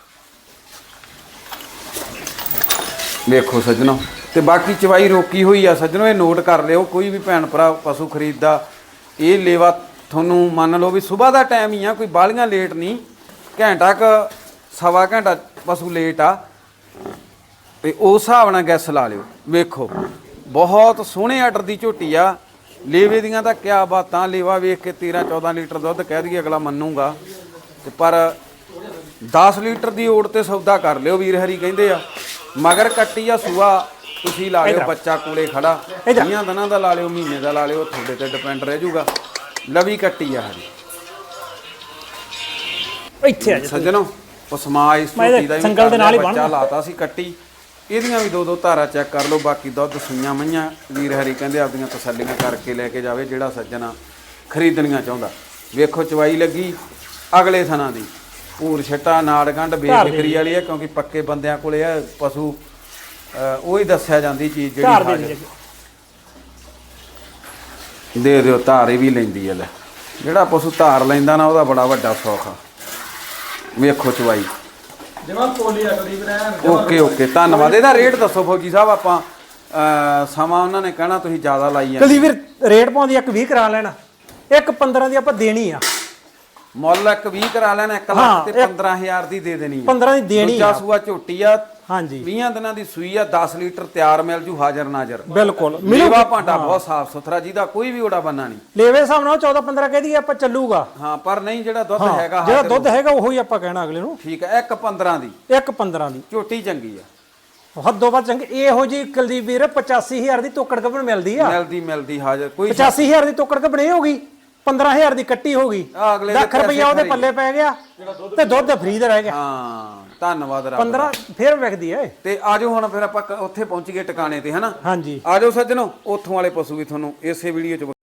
S1: ਵੇਖੋ ਸੱਜਣੋ, ਤੇ ਬਾਕੀ ਚਵਾਈ ਰੋਕੀ ਹੋਈ ਆ ਸੱਜਣੋ, ਇਹ ਨੋਟ ਕਰ ਲਿਓ। ਕੋਈ ਵੀ ਭੈਣ ਭਰਾ ਪਸ਼ੂ ਖਰੀਦਦਾ, ਇਹ ਲੇਵਾ ਤੁਹਾਨੂੰ ਮੰਨ ਲਓ ਵੀ ਸਵੇਰ ਦਾ ਟਾਈਮ ਹੀ ਆ, ਕੋਈ ਬਾਲੀਆਂ ਲੇਟ ਨਹੀਂ। ਘੰਟਾ ਕ ਸਵਾ ਘੰਟਾ ਪਸ਼ੂ ਲੇਟ ਆ ਤੇ ਉਸ ਹਿਸਾਬ ਨਾਲ ਗੈਸ ਲਾ ਲਿਓ। ਵੇਖੋ ਬਹੁਤ ਸੋਹਣੇ ਆਰਡਰ ਦੀ ਝੋਟੀ ਆ। ਲੇਵੇ ਦੀਆਂ ਤਾਂ ਕਿਆ ਬਾਤਾਂ, ਲੇਵਾ ਵੇਖ ਕੇ ਤੇਰਾਂ ਚੌਦਾਂ ਲੀਟਰ ਦੁੱਧ ਕਹਿ ਦਈਏ ਅਗਲਾ ਮੰਨੂਗਾ, ਤੇ ਪਰ ਦਸ ਲੀਟਰ ਦੀ ਓਟ ਤੇ ਸੌਦਾ ਕਰ ਲਿਓ। ਵੀਰ ਹਰੀ ਕਹਿੰਦੇ ਆ ਮਗਰ ਕੱਟੀ ਆ ਸੂਆ, ਤੁਸੀਂ ਲਾ ਲਿਓ ਬੱਚਾ ਕੋਲੇ ਖੜਾ, ਵੀਹਾਂ ਦਿਨਾਂ ਦਾ ਲਾ ਲਿਓ, ਮਹੀਨੇ ਦਾ ਲਾ ਲਿਓ, ਤੁਹਾਡੇ ਤੇ ਡਿਪੈਂਡ ਰਹਿ ਜਾਊਗਾ। ਲਵੀ ਕੱਟੀ ਆ ਹਰੀ
S2: ਇੱਥੇ ਆ ਜਾ
S1: ਸੱਜਣੋ। ਪਸਮਾ ਇਸ ਝੋਟੀ ਦਾ
S2: ਸੰਗਲ ਦੇ ਨਾਲ ਹੀ
S1: ਬੱਚਾ ਲਾਤਾ ਸੀ ਕੱਟੀ। ਇਹਦੀਆਂ ਵੀ ਦੋ ਦੋ ਧਾਰਾ ਚੈੱਕ ਕਰ ਲਓ। ਬਾਕੀ ਦੁੱਧ ਸੂਈਆਂ ਮਈਆਂ ਵੀਰ ਹਰੀ ਕਹਿੰਦੇ ਆਪਦੀਆਂ ਤਸੱਲੀਆਂ ਕਰਕੇ ਲੈ ਕੇ ਜਾਵੇ ਜਿਹੜਾ ਸੱਜਣਾ ਖਰੀਦਣੀਆਂ ਚਾਹੁੰਦਾ। ਵੇਖੋ ਚਵਾਈ ਲੱਗੀ ਅਗਲੇ ਥਣਾ ਦੀ, ਭੂਰ ਛੱਟਾ ਨਾੜ ਗੰਢ ਬੇਫਿਕਰੀ ਵਾਲੀ ਹੈ, ਕਿਉਂਕਿ ਪੱਕੇ ਬੰਦਿਆਂ ਕੋਲੇ ਆ ਪਸ਼ੂ ਉਹ ਹੀ ਦੱਸਿਆ ਜਾਂਦੀ ਚੀਜ਼ ਜਿਹੜੀ ਦੇ ਦਿਓ। ਧਾਰ ਇਹ ਵੀ ਲੈਂਦੀ ਹੈ ਲੈ, ਜਿਹੜਾ ਪਸ਼ੂ ਧਾਰ ਲੈਂਦਾ ਨਾ ਉਹਦਾ ਬੜਾ ਵੱਡਾ ਸੌਖ ਆ। ਵੇਖੋ ਚਵਾਈ
S3: ਜਿਵੇਂ ਪੋਲੀ ਅਗਲੀ ਬਰੈਨ
S1: ਓਕੇ ਓਕੇ ਧੰਨਵਾਦ। ਇਹਦਾ ਰੇਟ ਦੱਸੋ ਫੌਜੀ ਸਾਹਿਬ, ਆਪਾਂ ਅਹ, ਸਮਾਂ ਉਹਨਾਂ ਨੇ ਕਹਿਣਾ ਤੁਸੀਂ ਜ਼ਿਆਦਾ ਲਾਈ ਆ।
S2: ਕੁਲਦੀਪ ਵੀਰ ਰੇਟ ਪਾਉਂਦੀ ਇੱਕ ਵੀਹ ਕਰਾ ਲੈਣਾ, ਇੱਕ ਪੰਦਰਾਂ ਦੀ ਆਪਾਂ ਦੇਣੀ ਆ।
S1: ਮੁੱਲ ਇੱਕ ਵੀਹ ਕਰਾ ਲੈਣਾ, ਇੱਕ ਲੱਖ ਤੇ ਪੰਦਰਾਂ ਹਜ਼ਾਰ ਦੀ ਦੇ ਦੇਣੀ ਆ।
S2: ਪੰਦਰਾਂ ਦੀ ਦੇਣੀ
S1: ਦੂਜਾ ਸੂਆ ਝੋਟੀ ਆ,
S2: ਹਾਂਜੀ
S1: ਵੀਹ ਦਿਨਾਂ ਦੀ ਸੂਈ ਆ, ਦਸ ਲੀਟਰ ਤਿਆਰ ਮਿਲ ਜੂ ਹਾਜ਼ਰ ਨਾਜ਼ਰ।
S2: ਬਿਲਕੁਲ
S1: ਮੇਵਾ ਭਾਂਡਾ ਬਹੁਤ ਸਾਫ ਸੁਥਰਾ, ਜਿਹਦਾ ਕੋਈ ਵੀ ਓੜਾ ਬੰਨਾ ਨਹੀਂ।
S2: ਲੇਵੇ ਹਿਸਾਬ ਨਾਲ ਚੌਦਾਂ ਪੰਦਰਾਂ ਕਹਿ ਦਈਏ ਆਪਾਂ ਚੱਲੂਗਾ।
S1: ਹਾਂ ਪਰ ਨਹੀਂ, ਜਿਹੜਾ ਦੁੱਧ ਹੈਗਾ
S2: ਜਿਹੜਾ ਦੁੱਧ ਹੈਗਾ ਉਹੀ ਆਪਾਂ ਕਹਿਣਾ ਅਗਲੇ ਨੂੰ।
S1: ਠੀਕ ਹੈ, ਇੱਕ ਪੰਦਰਾਂ ਦੀ
S2: ਇੱਕ ਪੰਦਰਾਂ ਦੀ
S1: ਝੋਟੀ ਚੰਗੀ ਆ,
S2: ਹੱਦੋਂ ਵੱਧ ਚੰਗੀ। ਇਹੋ ਜੀ ਕੁਲਦੀਪ ਵੀਰ ਪਚਾਸੀ ਹਜ਼ਾਰ ਦੀ ਤੋਕੜ ਕੱਪਣ ਮਿਲਦੀ ਆ।
S1: ਮਿਲਦੀ ਮਿਲਦੀ ਹਾਜ਼ਰ ਕੋਈ
S2: ਪਚਾਸੀ ਹਜ਼ਾਰ ਦੀ ਤੋਕੜ ਕੱਪਣ ਇਹ ਹੋ ਗਈ, ਪੰਦਰਾਂ ਹਜ਼ਾਰ ਦੀ ਕੱਟੀ ਹੋ ਗਈ,
S1: ਅਗਲੇ
S2: ਲੱਖ ਰੁਪਈਆ ਉਹਦੇ ਪੱਲੇ ਪੈ ਗਿਆ ਤੇ ਦੁੱਧ ਫਰੀ ਦਾ ਰਹਿ ਗਿਆ।
S1: ਹਾਂ ਧੰਨਵਾਦ ਰੱਬ।
S2: ਪੰਦਰਾਂ ਫੇਰ ਵਿਕਦੀ ਐ।
S1: ਤੇ ਆਜੋ ਹੁਣ ਫਿਰ ਆਪਾਂ ਕ- ਉੱਥੇ ਪਹੁੰਚ ਗਏ ਟਿਕਾਣੇ ਤੇ, ਹਨਾ।
S2: ਹਾਂਜੀ
S1: ਆਜੋ ਸੱਜਣੋ, ਉੱਥੋਂ ਵਾਲੇ ਪਸ਼ੂ ਵੀ ਤੁਹਾਨੂੰ ਇਸੇ ਵੀਡੀਓ 'ਚ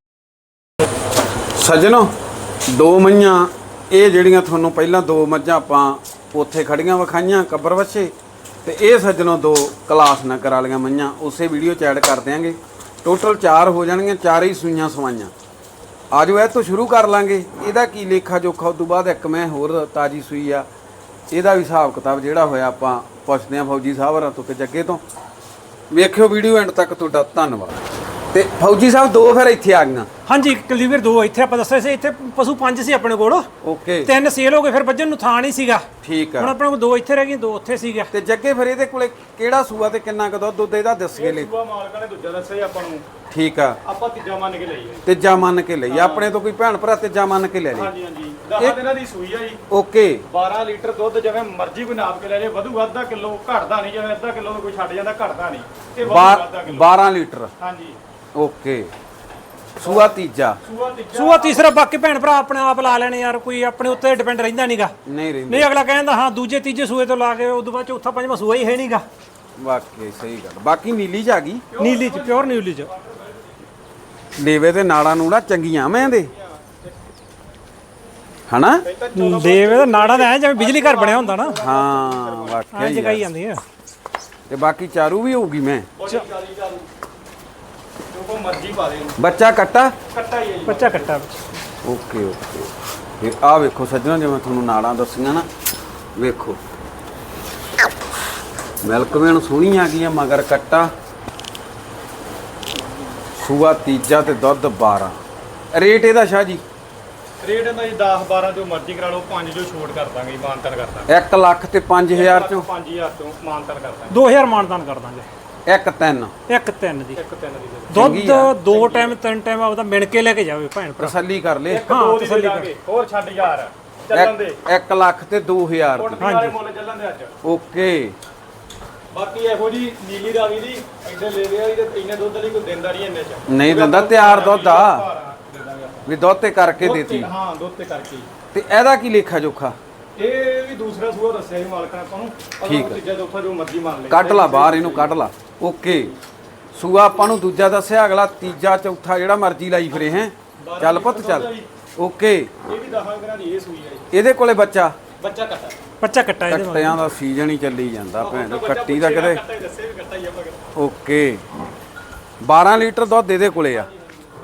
S1: ਸੱਜਣੋ ਦੋ ਮੱਝਾਂ ਇਹ ਜਿਹੜੀਆਂ ਤੁਹਾਨੂੰ ਪਹਿਲਾਂ ਦੋ ਮੱਝਾਂ ਆਪਾਂ ਉੱਥੇ ਖੜੀਆਂ ਵਿਖਾਈਆਂ ਕੱਬਰ ਵੱਛੇ, ਤੇ ਇਹ ਸੱਜਣੋ ਦੋ ਕਲਾਸ ਨਗਰ ਵਾਲੀਆਂ ਮੱਝਾਂ ਉਸੇ ਵੀਡੀਓ 'ਚ ਐਡ ਕਰ ਦਿਆਂਗੇ। ਟੋਟਲ ਚਾਰ ਹੋ ਜਾਣਗੀਆਂ, ਚਾਰੇ ਹੀ ਸੂਈਆਂ ਸਵਾਈਆਂ। ਆਜੋ ਇਹ ਤੋਂ ਸ਼ੁਰੂ ਕਰ ਲਾਂਗੇ। ਇਹਦਾ ਕੀ ਲੇਖਾ ਜੋਖਾ, ਉਸ ਤੋਂ ਬਾਅਦ ਇੱਕ ਮੈਂ ਹੋਰ ਤਾਜੀ ਸੂਈ ਆ, ਇਹਦਾ ਵੀ ਹਿਸਾਬ ਕਿਤਾਬ ਜਿਹੜਾ ਹੋਇਆ ਆਪਾਂ ਪੁੱਛਦੇ ਹਾਂ ਫੌਜੀ ਸਾਹਿਬ ਹੋਰਾਂ ਤੋਂ ਕਿ ਜੱਗੇ ਤੋਂ। ਵੇਖਿਓ ਵੀਡੀਓ ਐਂਡ ਤੱਕ, ਤੁਹਾਡਾ ਧੰਨਵਾਦ। ਤੇ ਫੌਜੀ ਸਾਹਿਬ ਦੋ ਫਿਰ ਇੱਥੇ ਆ ਗਈਆਂ।
S2: ਹਾਂਜੀ ਕੁਲਦੀਪ ਵੀਰ ਦੋ ਇੱਥੇ ਆਪਾਂ ਦੱਸਿਆ ਸੀ, ਇੱਥੇ ਪਸ਼ੂ ਪੰਜ ਸੀ ਆਪਣੇ ਕੋਲ,
S1: ਓਕੇ
S2: ਤਿੰਨ ਸੇਲ ਹੋ ਗਏ, ਫਿਰ ਵੱਜਣ ਨੂੰ ਥਾਂ ਨਹੀਂ ਸੀਗਾ।
S1: ਠੀਕ
S2: ਹੁਣ
S1: ਆ।
S2: ਆਪਣੇ ਕੋਲ ਦੋ ਇੱਥੇ ਰਹਿ ਗਏ, ਦੋ ਉੱਥੇ ਸੀਗਾ।
S1: ਤੇ ਜੱਗੇ ਫਿਰ ਇਹਦੇ ਕੋਲੇ ਕਿਹੜਾ ਸੂਆ ਤੇ ਕਿੰਨਾ ਕੁ ਦੁੱਧ ਦੁੱਧ ਇਹਦਾ ਦੱਸ ਕੇ ਲੈ।
S3: ਸੂਆ ਮਾਲਕਾਂ ਨੇ ਦੂਜਾ ਦੱਸਿਆ ਆਪਾਂ ਨੂੰ,
S1: ਠੀਕ ਆ,
S3: ਆਪਾਂ ਤੀਜਾ ਮੰਨ ਕੇ ਲਈ ਹੈ।
S1: ਤੀਜਾ ਮੰਨ ਕੇ ਲਈ ਆਪਣੇ ਤੋਂ ਕੋਈ ਭੈਣ ਭਰਾ ਤੀਜਾ ਮੰਨ ਕੇ ਲੈ ਲਈ।
S3: ਹਾਂਜੀ ਹਾਂਜੀ ਦਸ ਦਿਨਾਂ ਦੀ ਸੂਈ ਆ ਜੀ।
S1: ਓਕੇ
S3: ਬਾਰਾਂ ਲੀਟਰ ਦੁੱਧ ਜਿਵੇਂ ਮਰਜ਼ੀ ਕੋਈ ਨਾਪ ਕੇ ਲੈ ਜੇ, ਵਧੂ ਅੱਧਾ ਕਿਲੋ, ਘਟਦਾ ਨਹੀਂ। ਜਿਵੇਂ ਅੱਧਾ ਕਿਲੋ ਕੋਈ ਛੱਡ ਜਾਂਦਾ, ਘਟਦਾ ਨਹੀਂ। ਇਹ ਵਧੂ ਅੱਧਾ ਕਿਲੋ।
S1: ਬਾਰਾਂ ਲੀਟਰ
S3: ਹਾਂਜੀ
S1: ਓਕੇ। ਸੂਆ ਤੀਜਾ,
S3: ਸੂਆ ਤੀਜਾ
S2: ਸੂਆ ਤੀਸਰਾ ਬਾਕੀ ਭੈਣ ਭਰਾ ਆਪਣੇ ਆਪ ਲਾ ਲੈਣੇ ਯਾਰ, ਕੋਈ ਆਪਣੇ ਉੱਤੇ ਡਿਪੈਂਡ ਰਹਿੰਦਾ ਨਹੀਂਗਾ।
S1: ਨਹੀਂ ਰਹਿੰਦੀ।
S2: ਨਹੀਂ ਅਗਲਾ ਕਹਿੰਦਾ ਹਾਂ ਦੂਜੇ ਤੀਜੇ ਸੂਏ ਤੋਂ ਲਾ ਕੇ ਉਦੋਂ ਬਾਅਦ ਚੌਥਾ ਪੰਜਵਾਂ ਸੂਆ ਹੀ ਹੈ ਨਹੀਂਗਾ।
S1: ਵਾਕਈ ਸਹੀ ਗੱਲ। ਬਾਕੀ ਨੀਲੀ ਚ ਆ ਗਈ,
S2: ਨੀਲੀ ਚ, ਪਿਓਰ ਨੀਲੀ ਚ।
S1: ਲੇਵੇ ਤੇ ਨਾੜਾ ਨੂੜਾ ਚੰਗੀਆਂ ਮੈਂ ਦੇ ਹਨਾ।
S2: ਦੇਵੇ ਦਾ ਨਾੜਾ ਦਾ ਐ ਜਿਵੇਂ ਬਿਜਲੀ ਘਰ ਬਣਿਆ ਹੁੰਦਾ ਨਾ,
S1: ਹਾਂ
S2: ਐ
S1: ਵਾਕਈ
S2: ਜਗਾਈ
S1: ਯਾਰ।
S2: ਜਾਂਦੀ ਆ।
S1: ਤੇ ਬਾਕੀ ਚਾਰੂ ਵੀ ਹੋਊਗੀ ਮੈਂ।
S3: ਜੋ ਕੋ ਮਰਜ਼ੀ ਪਾ ਦੇ,
S1: ਬੱਚਾ ਕੱਟਾ
S3: ਕੱਟਾ ਹੀ ਹੈ ਜੀ।
S2: ਬੱਚਾ ਕੱਟਾ
S1: ਓਕੇ ਓਕੇ। ਫਿਰ ਆਹ ਵੇਖੋ ਸੱਜਣਾ, ਜਿਵੇਂ ਤੁਹਾਨੂੰ ਨਾੜਾਂ ਦੱਸੀਆਂ ਨਾ, ਵੇਖੋ ਮਿਲਕਵੇਨ ਸੋਹਣੀ ਆ ਗਈ ਆ, ਮਗਰ ਕੱਟਾ। ਸੂਆ ਤੀਜਾ ਤੇ ਦੁੱਧ ਬਾਰਾਂ। ਰੇਟ ਇਹਦਾ ਸ਼ਾਹ ਜੀ
S3: ਰੇਟ ਇਹਦਾ ਜੀ ਦਸ ਬਾਰਾਂ ਜੋ ਮਰਜ਼ੀ ਕਰਾ ਲਓ, ਪੰਜ ਜੋ ਛੋਟ ਕਰ ਦਾਂਗੇ ਜੀ, ਮਾਨਤਨ ਕਰ ਦਾਂਗੇ।
S1: ਇੱਕ ਲੱਖ ਤੇ ਪੰਜ ਹਜ਼ਾਰ ਚੋਂ
S3: ਪੰਜ ਹਜ਼ਾਰ ਤੋਂ ਮਾਨਤਨ ਕਰ ਦਾਂਗੇ।
S2: ਦੋ ਹਜ਼ਾਰ ਮਾਨਦਾਨ ਕਰ ਦਾਂਗੇ।
S1: ਇੱਕ ਤਿੰਨ
S2: ਇੱਕ ਤਿੰਨ ਦੀ
S3: ਇੱਕ ਤਿੰਨ ਦੀ ਦੇ
S2: ਦੁੱਧ ਦੋ ਟਾਈਮ ਤਿੰਨ ਟਾਈਮ ਆਪਦਾ ਮਿਣ ਕੇ ਲੈ ਕੇ ਜਾਵੇ ਭੈਣ ਭਰਾ।
S1: ਤਸੱਲੀ ਕਰ ਲੈ।
S3: ਇੱਕ ਦੋ ਦੀ ਦੇ ਦਾਂਗੇ, ਹੋਰ ਛੱਡ ਯਾਰ ਚੱਲਣ ਦੇ।
S1: ਇੱਕ- ਇੱਕ ਲੱਖ ਤੇ ਦੋ ਹਜ਼ਾਰ ਦੀ।
S3: ਕੋਟਪੀ ਵਾਲੇ ਮੁੱਲ ਚੱਲਣ ਦੇ ਅੱਜ।
S1: ਓਕੇ
S3: ਬਾਕੀ ਇਹੋ ਜੀ ਨੀਲੀ ਰਾਵੀ ਦੀ ਇੱਧਰ ਲੈ ਲਿਆ ਜੀ, ਤੇ ਇੰਨੇ ਦੁੱਧ ਲਈ ਕੋਈ ਦਿੰਦਾ ਨਹੀਂ ਇੰਨੇ ਚ।
S1: ਨਹੀਂ ਦਿੰਦਾ, ਤਿਆਰ ਦੁੱਧ ਆ
S3: ਦੇ ਦਾਂਗੇ ਆਪਾਂ।
S1: ਵੀ ਦੁੱਧ ਤੇ ਕਰਕੇ
S3: ਦੁੱਧ
S1: ਦੇਤੀ।
S3: ਤੇ- ਹਾਂ ਦੁੱਧ ਤੇ ਕਰਕੇ।
S1: ਤੇ ਇਹਦਾ ਕੀ ਲੇਖਾ ਜੋਖਾ?
S3: ਇਹ ਵੀ ਦੂਸਰਾ ਸੂਆ ਦੱਸਿਆ ਜੀ ਮਾਲਕਾਂ ਨੇ ਆਪਾਂ ਨੂੰ।
S1: ਠੀਕ ਹੈ।
S3: ਤੀਜਾ ਚੌਥਾ ਜੋ ਮਰਜ਼ੀ ਮੰਨ ਲੈ।
S1: ਕੱਢ ਲਾ ਬਾਹਰ, ਇਹਨੂੰ ਕੱਢ ਲਾ। ਓਕੇ ਸੂਆ ਆਪਾਂ ਨੂੰ ਦੂਜਾ ਦੱਸਿਆ, ਅਗਲਾ ਤੀਜਾ ਚੌਥਾ ਜਿਹੜਾ ਮਰਜ਼ੀ ਲਾਈ ਫਿਰੇ ਹੈ। ਚੱਲ ਪੁੱਤ ਚੱਲ। ਓਕੇ
S3: ਇਹ ਵੀ ਦਸਾਂ ਦਿਨਾਂ ਦੀ ਇਹ ਸੂਈ ਹੈ ਜੀ।
S1: ਇਹਦੇ ਕੋਲੇ ਬੱਚਾ
S3: ਬੱਚਾ ਕੱਟਾ।
S2: ਬੱਚਾ ਕੱਟਾ ਇਹਦੇ ਨਾਲ।
S1: ਕੱਟਿਆਂ ਦਾ ਸੀਜ਼ਨ ਹੀ ਚੱਲੀ ਜਾਂਦਾ ਭੈਣ, ਕੱਟੀ ਦਾ ਕਿਤੇ।
S3: ਕੱਟਾ ਹੀ ਦੱਸੇ ਵੀ ਕੱਟਾ ਹੀ ਆਪਾਂ।
S1: ਓਕੇ ਬਾਰਾਂ ਲੀਟਰ ਦੁੱਧ ਇਹਦੇ ਕੋਲੇ ਆ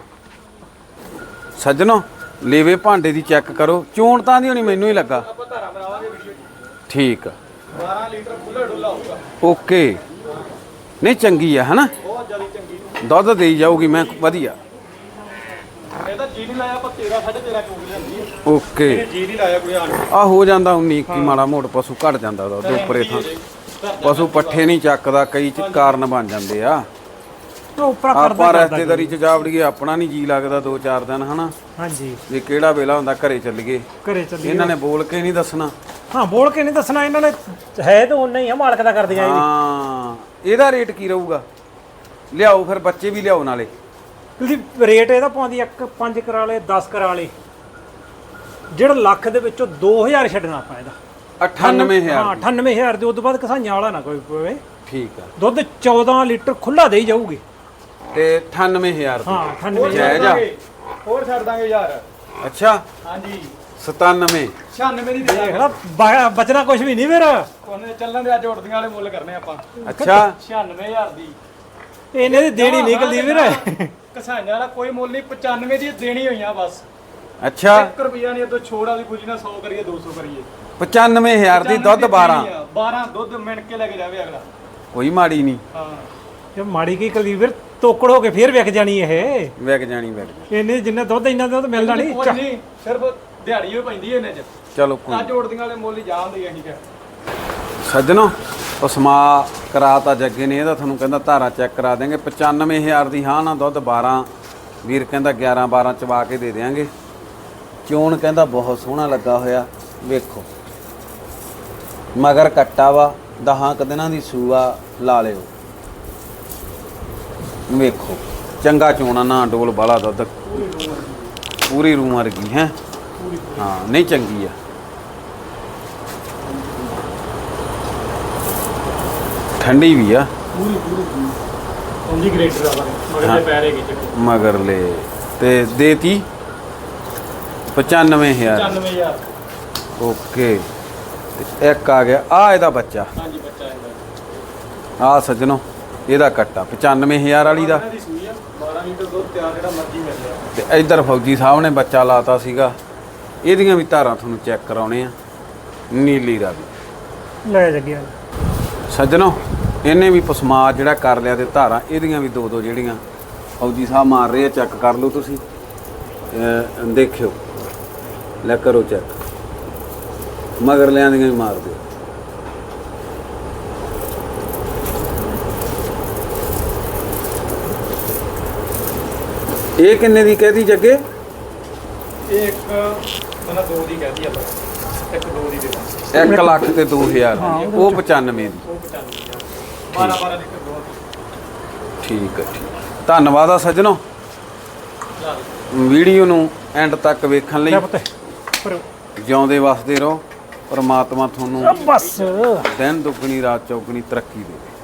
S1: ਸੱਜਣੋ। ਲੇਵੇ ਭਾਂਡੇ ਦੀ ਚੈੱਕ ਕਰੋ, ਚੋਣ ਤਾਂ ਦੀ ਹੋਣੀ ਮੈਨੂੰ ਹੀ ਲੱਗਾ।
S3: ਆਪਾਂ ਧਾਰਾ ਬਣਾਵਾਂਗੇ ਵੀਡੀਓ।
S1: ਠੀਕ ਆ
S3: ਬਾਰਾਂ ਲੀਟਰ ਖੁੱਲਾ ਡੁੱਲਾ ਹੋਊਗਾ।
S1: ਓਕੇ। ਨਹੀਂ ਚੰਗੀ ਆ ਹਨਾ,
S3: ਬਹੁਤ ਜ਼ਿਆਦਾ ਚੰਗੀ।
S1: ਦੁੱਧ ਦੇਈ ਜਾਊਗੀ ਮੈਂ ਵਧੀਆ।
S3: ਇਹ ਤਾਂ ਜੀ ਨਹੀਂ ਲਾਇਆ, ਆਪਾਂ ਤੇਰਾਂ ਸਾਢੇ ਤੇਰਾਂ ਚੋਗ ਲਿਆਂਦੀ ਹੈ।
S1: ਓਕੇ
S3: ਇਹ ਜੀ ਨਹੀਂ ਲਾਇਆ ਕੋਈ ਆਣ ਕੇ।
S1: ਆ ਹੋ ਜਾਂਦਾ ਉਨੀ ਇੱਕੀ ਮਾੜਾ ਮੋੜ ਪਸ਼ੂ ਘਟ ਜਾਂਦਾ ਦੁੱਧ ਉੱਪਰੇ ਥਾਂ। ਪਸ਼ੂ ਪੱਠੇ ਨਹੀਂ ਚੱਕਦਾ, ਕਈ ਚ ਕਾਰਨ ਬਣ ਜਾਂਦੇ ਆ।
S2: ਉਹ ਉੱਪਰ ਕਰਦਾ
S1: ਆਪਾਂ ਰਿਸ਼ਤੇਦਾਰੀ ਚ ਜਾ ਵੜੀਏ, ਆਪਣਾ ਨਹੀਂ ਜੀ ਲੱਗਦਾ ਦੋ ਚਾਰ ਦਿਨ ਹਨਾ,
S2: ਹਾਂਜੀ
S1: ਵੀ ਕਿਹੜਾ ਵੇਲਾ ਹੁੰਦਾ ਘਰੇ ਚੱਲੀਏ।
S2: ਘਰੇ ਚੱਲੀ।
S1: ਇਹਨਾਂ ਨੇ ਬੋਲ ਕੇ ਨਹੀਂ ਦੱਸਣਾ।
S2: ਹਾਂ ਬੋਲ ਕੇ ਨਹੀਂ ਦੱਸਣਾ, ਇਹਨਾਂ ਨੇ ਹੈ ਤਾਂ ਉਹਨਾਂ ਹੀ ਆ, ਮਾਲਕ ਦਾ ਕਰਦੀਆਂ ਇਹ।
S1: ਹਾਂ ਇਹਦਾ ਰੇਟ ਕੀ ਰਹੂਗਾ? ਲਿਆਓ ਫਿਰ ਬੱਚੇ ਵੀ ਲਿਆਓ ਨਾਲੇ।
S2: ਤੁਸੀਂ ਰੇਟ ਇਹਦਾ ਪਾਉਂਦੀ ਇੱਕ ਪੰਜ ਕਰਾ ਲੇ ਦਸ ਕਰਾ ਲੇ, ਜਿਹੜਾ ਲੱਖ ਦੇ ਵਿੱਚੋਂ ਦੋ ਹਜ਼ਾਰ ਛੱਡਣਾ ਆਪਾਂ ਇਹਦਾ।
S1: ਅਠਾਨਵੇਂ
S2: ਹਾਂ
S1: ਹਜ਼ਾਰ
S2: ਅਠਾਨਵੇਂ ਹਜ਼ਾਰ ਦੇ ਉਦੋਂ ਬਾਅਦ ਕਸਾਈਆਂ ਵਾਲਾ ਨਾ ਕੋਈ ਪਵੇ।
S1: ਠੀਕ ਆ।
S2: ਦੁੱਧ ਚੌਦਾਂ ਲੀਟਰ ਖੁੱਲਾ ਦੇਈ ਜਾਊਗੀ।
S1: ਤੇ ਅਠਾਨਵੇਂ ਹਜ਼ਾਰ
S2: ਹਾਂ ਅਠਾਨਵੇਂ
S1: ਜਾਇਜ਼ ਆ।
S3: ਹੋਰ ਛੱਡ ਦਾਂਗੇ ਯਾਰ।
S1: ਅੱਛਾ
S3: ਹਾਂਜੀ
S1: ਸਤਾਨਵੇਂ
S3: ਛਿਆਨਵੇਂ ਦੀ ਦੇ
S2: ਦੇਖ ਲਾ ਬ- ਬਚਣਾ ਕੁਝ ਵੀ ਨਹੀਂ ਫਿਰ।
S3: ਉਹਨੇ ਚੱਲਣ ਦੇ ਅੱਜ ਉੜਦੀਆਂ ਵਾਲੇ ਮੁੱਲ ਕਰਨੇ ਆਪਾਂ।
S1: ਅੱਛਾ
S3: ਛਿਆਨਵੇਂ ਹਜ਼ਾਰ ਦੀ
S2: ਇਹਨੇ ਦੀ ਦੇਣੀ ਨਿਕਲਦੀ ਵੀਰ।
S3: ਕਸਾਈਆਂ ਵਾਲਾ ਕੋਈ ਮੁੱਲ ਨਹੀਂ, ਪਚਾਨਵੇਂ ਦੀ ਦੇਣੀ ਹੋਈਆਂ ਬਸ।
S1: ਅੱਛਾ
S3: ਇੱਕ ਰੁਪਿਆ ਨਹੀਂ, ਇਦੋਂ ਛੋੜ ਵਾਲੀ ਖੁਸ਼ੀ ਨਾਲ ਸੌ ਕਰੀਏ ਦੋ ਸੌ ਕਰੀਏ।
S1: ਪਚਾਨਵੇਂ ਹਜ਼ਾਰ ਦੀ ਦੁੱਧ ਬਾਰਾਂ
S3: ਬਾਰਾਂ ਦੁੱਧ ਮਿਣ ਕੇ ਲੈ ਕੇ ਜਾਵੇ ਅਗਲਾ।
S1: ਕੋਈ ਮਾੜੀ ਨਹੀਂ।
S3: ਹਾਂ
S2: ਜੇ ਮਾੜੀ ਕੀ ਕਰੀ ਵੀਰ, ਤੋਕੜ ਹੋ ਕੇ ਫੇਰ ਵਿਕ ਜਾਣੀ ਇਹ।
S1: ਵਿਕ ਜਾਣੀ ਵਿਕ
S2: ਇਹਨੇ ਜਿੰਨਾ ਦੁੱਧ ਇੰਨਾ ਦੁੱਧ ਮਿਲਦਾ ਨਹੀਂ।
S3: ਕੁਝ ਨਹੀਂ, ਸਿਰਫ ਦਿਹਾੜੀ ਹੀ ਪੈਂਦੀ ਇਹਨੇ ਚ।
S1: ਚਲੋ ਕੋਈ
S3: ਅੱਜ ਉੜਦੀਆਂ ਵਾਲੇ ਮੁੱਲ ਹੀ ਜਾਂਦੇ ਅਸੀਂ ਕਿ
S1: ਸੱਜਣੋ ਪਸਮਾ ਕਰਾਤਾ ਜੱਗੇ ਨੇ, ਇਹਦਾ ਤੁਹਾਨੂੰ ਕਹਿੰਦਾ ਧਾਰਾ ਚੈੱਕ ਕਰਾ ਦੇਂਗੇ। ਪਚਾਨਵੇਂ ਹਜ਼ਾਰ ਦੀ ਹਾਂ ਨਾ ਦੁੱਧ ਬਾਰਾਂ, ਵੀਰ ਕਹਿੰਦਾ ਗਿਆਰਾਂ ਬਾਰਾਂ ਚਵਾ ਕੇ ਦੇ ਦੇਾਂਗੇ। ਚੋਣ ਕਹਿੰਦਾ ਬਹੁਤ ਸੋਹਣਾ ਲੱਗਾ ਹੋਇਆ, ਵੇਖੋ ਮਗਰ ਕੱਟਾ ਵਾ, ਦਹਾਂ ਕੁ ਦਿਨਾਂ ਦੀ ਸੂਆ ਲਾ ਲਿਓ। ਵੇਖੋ ਚੰਗਾ ਚੋਣਾ ਨਾ ਡੋਲ ਬਾਲਾ ਦੁੱਧ, ਪੂਰੀ ਰੂਹ ਵਰਗੀ ਹੈ। ਹਾਂ ਨਹੀਂ ਚੰਗੀ ਆ। ਠੰਡੀ ਵੀ ਆ
S3: ਪੂਰੀ ਪੂਰੀ ਉਹਦੀ ਗ੍ਰੇਡਰ ਆ ਮਗਰ ਦੇ ਪੈਰੇ ਵਿੱਚ
S1: ਮਗਰ ਲੈ ਤੇ ਦੇਤੀ ਪਚਾਨਵੇਂ ਹਜ਼ਾਰ।
S3: ਪਚਾਨਵੇਂ ਹਜ਼ਾਰ
S1: ਓਕੇ ਤੇ ਇੱਕ ਆ ਗਿਆ ਆ ਇਹਦਾ ਬੱਚਾ।
S3: ਹਾਂਜੀ ਬੱਚਾ ਇਹਦਾ
S1: ਆ ਸੱਜਣੋ ਇਹਦਾ ਕੱਟਾ ਪਚਾਨਵੇਂ ਹਜ਼ਾਰ ਵਾਲੀ ਦਾ।
S3: ਇਹਨਾਂ ਦੀ ਸੂਈ ਆ ਬਾਰਾਂ ਲੀਟਰ ਦੁੱਧ ਤਿਆਰ, ਜਿਹੜਾ ਮਰਜ਼ੀ ਮਿਲ ਜਾਏ।
S1: ਤੇ ਇੱਧਰ ਫੌਜੀ ਸਾਹਿਬ ਨੇ ਬੱਚਾ ਲਾਤਾ ਸੀਗਾ, ਇਹਦੀਆਂ ਵੀ ਧਾਰਾਂ ਤੁਹਾਨੂੰ ਚੈੱਕ ਕਰਾਉਣੇ ਆ। ਨੀਲੀ ਦਾ ਵੀ
S2: ਲੈ ਜੱਗਿਆ
S1: ਸੱਜਣੋ ਇਹਨੇ ਵੀ ਪਸਮਾ ਜਿਹੜਾ ਕਰ ਲਿਆ ਤੇ ਧਾਰਾਂ ਇਹਦੀਆਂ ਵੀ ਦੋ ਦੋ ਜਿਹੜੀਆਂ ਫੌਜੀ ਸਾਹਿਬ ਮਾਰ ਰਹੇ ਆ, ਚੈੱਕ ਕਰ ਲਓ ਤੁਸੀਂ। ਅਹ ਦੇਖਿਓ ਲੈ ਕਰੋ ਚੈੱਕ, ਮਗਰ ਲਿਆਂ ਦੀਆਂ ਵੀ ਮਾਰ ਦਿਓ। ਇਹ ਕਿੰਨੇ ਦੀ ਕਹਿਦੀ ਜੱਗੇ?
S3: ਇਹ ਇੱਕ ਮਨਾ ਦੋ ਦੀ ਕਹਦੀ ਆਪਾਂ, ਇੱਕ ਦੋ ਦੀ ਦੇ ਦਾਂ।
S1: ਇੱਕ ਲੱਖ ਤੇ ਦੋ ਹਜ਼ਾਰ ਉਹ ਪਚਾਨਵੇਂ ਦੀ।
S3: ਉਹ ਪਚਾਨਵੇਂ ਹਜ਼ਾਰ ਬਾਰਾਂ ਬਾਰਾਂ ਲੀਟਰ ਦੁੱਧ।
S1: ਠੀਕ ਹੈ ਠੀਕ। ਧੰਨਵਾਦ ਆ ਸੱਜਣੋ ਵੀਡੀਓ ਨੂੰ ਐਂਡ ਤੱਕ ਵੇਖਣ ਲਈ। ਜਿਉਂਦੇ ਵਸਦੇ ਰਹੋ, ਪਰਮਾਤਮਾ ਤੁਹਾਨੂੰ
S2: ਬਸ
S1: ਦਿਨ ਦੁੱਗਣੀ ਰਾਤ ਚੌਗਣੀ ਤਰੱਕੀ ਦੇਵੇ।